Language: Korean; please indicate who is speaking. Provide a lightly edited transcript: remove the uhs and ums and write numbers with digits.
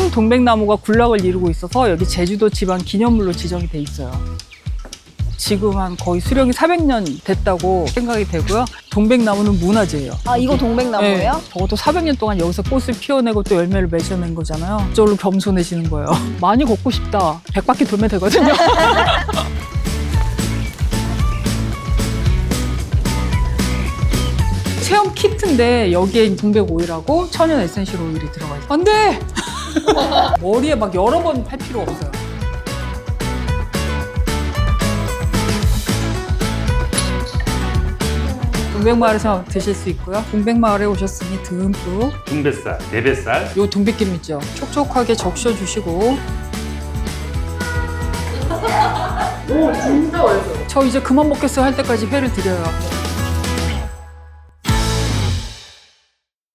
Speaker 1: 큰 동백나무가 군락을 이루고 있어서 여기 제주도 지방 기념물로 지정이 돼 있어요. 지금 한 거의 수령이 400년 됐다고 생각이 되고요. 동백나무는 문화재예요.
Speaker 2: 아, 이거 동백나무예요?
Speaker 1: 네, 적어도 400년 동안 여기서 꽃을 피워내고 또 열매를 맺어낸 거잖아요. 저절로 겸손해지는 거예요. 많이 걷고 싶다. 100바퀴 돌면 되거든요. 체험 키트인데 여기에 동백 오일하고 천연 에센셜 오일이 들어가 있어요. 안 돼! 머리에 막 여러 번 할 필요 없어요. 동백마을에서 드실 수 있고요. 동백마을에 오셨으니 듬뿍
Speaker 3: 중뱃살, 내뱃살.
Speaker 1: 요 동백기름 있죠? 촉촉하게 적셔주시고. 오, 진짜 맛있어요. 저 이제 그만 먹겠어요 할 때까지 회를 드려요.